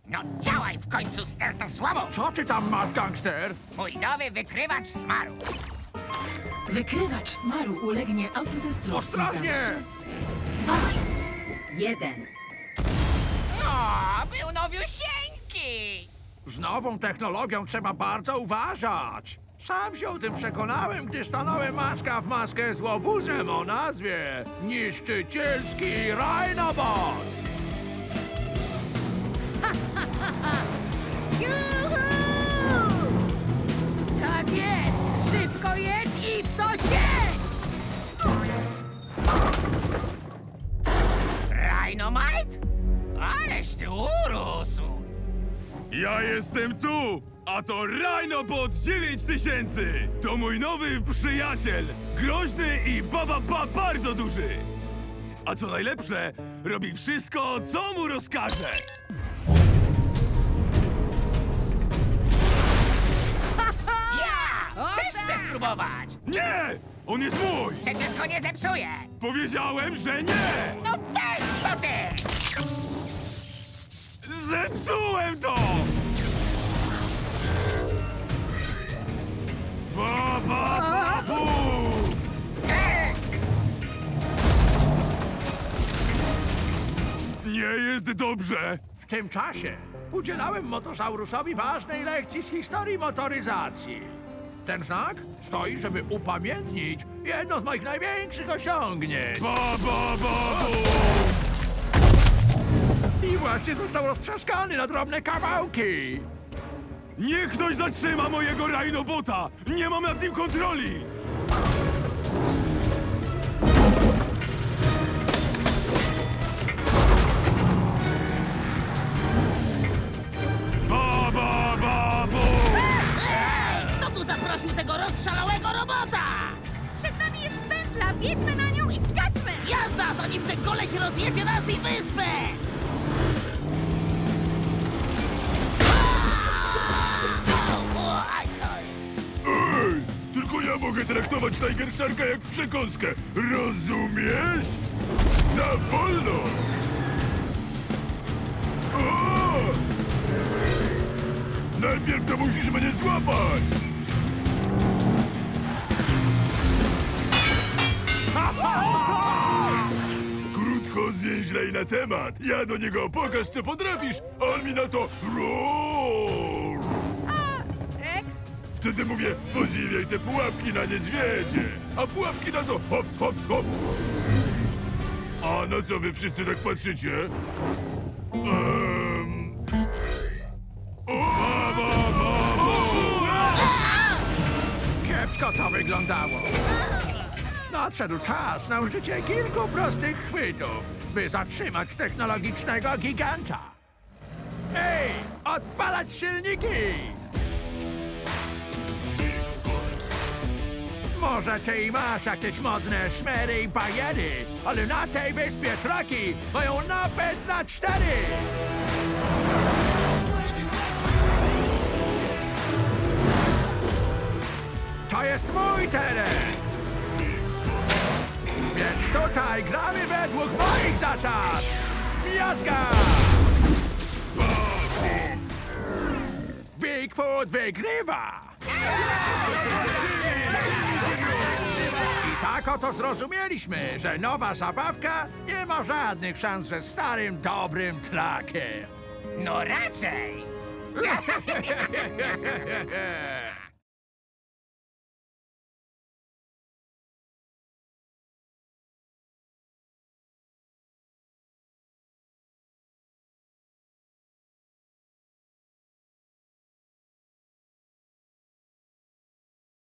No działaj w końcu, stertosłamo! Co ty tam masz, gangster? Mój nowy wykrywacz smaru. Wykrywacz smaru ulegnie autodestrukcji. Ostrożnie! 2, 1. O, był nowiusieńki! Z nową technologią trzeba bardzo uważać. Sam się o tym przekonałem, gdy stanąłem maska w maskę z łobuzem o nazwie Niszczycielski Rhinobot. Tak jest! Szybko jedź i w coś jedź! Rhinomite? Aleś ty urósł! Ja jestem tu, a to Rhinobot 9000! To mój nowy przyjaciel, groźny i bardzo duży! A co najlepsze, robi wszystko, co mu rozkaże! Ja! O, Też tak! chcę spróbować! Nie! On jest mój! Przecież go nie zepsuję! Powiedziałem, że nie! No weź co ty! Zepsułem to! Bu! Nie jest dobrze! W tym czasie udzielałem Motosaurusowi ważnej lekcji z historii motoryzacji. Ten znak stoi, żeby upamiętnić jedno z moich największych osiągnięć. Bu! I właśnie został roztrzaskany na drobne kawałki. Niech ktoś zatrzyma mojego Rhinobota! Nie mam nad nim kontroli! Bu! Ej, kto tu zaprosił tego rozszalałego robota? Przed nami jest pętla, wjedźmy na nią i skaczmy! Jazda, zanim ten koleś rozjedzie nas i wyspę! Ej! Tylko ja mogę traktować Tiger Sharka jak przekąskę. Rozumiesz? Za wolno! O! Najpierw to musisz mnie złapać! Krótko zwięźlej na temat. Ja do niego pokaż, co potrafisz, a on mi na to roar! Rex? Wtedy mówię, podziwiaj te pułapki na niedźwiedzie, a pułapki na to hop, hop, hop. A na co wy wszyscy tak patrzycie? Kiepsko to wyglądało. Nadszedł czas na użycie kilku prostych chwytów, by zatrzymać technologicznego giganta. Ej, odpalać silniki! Może ty i masz jakieś modne szmery i bajery, ale na tej wyspie traki mają napęd na 4! To jest mój teren! Więc tutaj gramy według moich zasad! Miazga! Bigfoot wygrywa! I tak oto zrozumieliśmy, że nowa zabawka nie ma żadnych szans ze starym, dobrym trakiem. No raczej!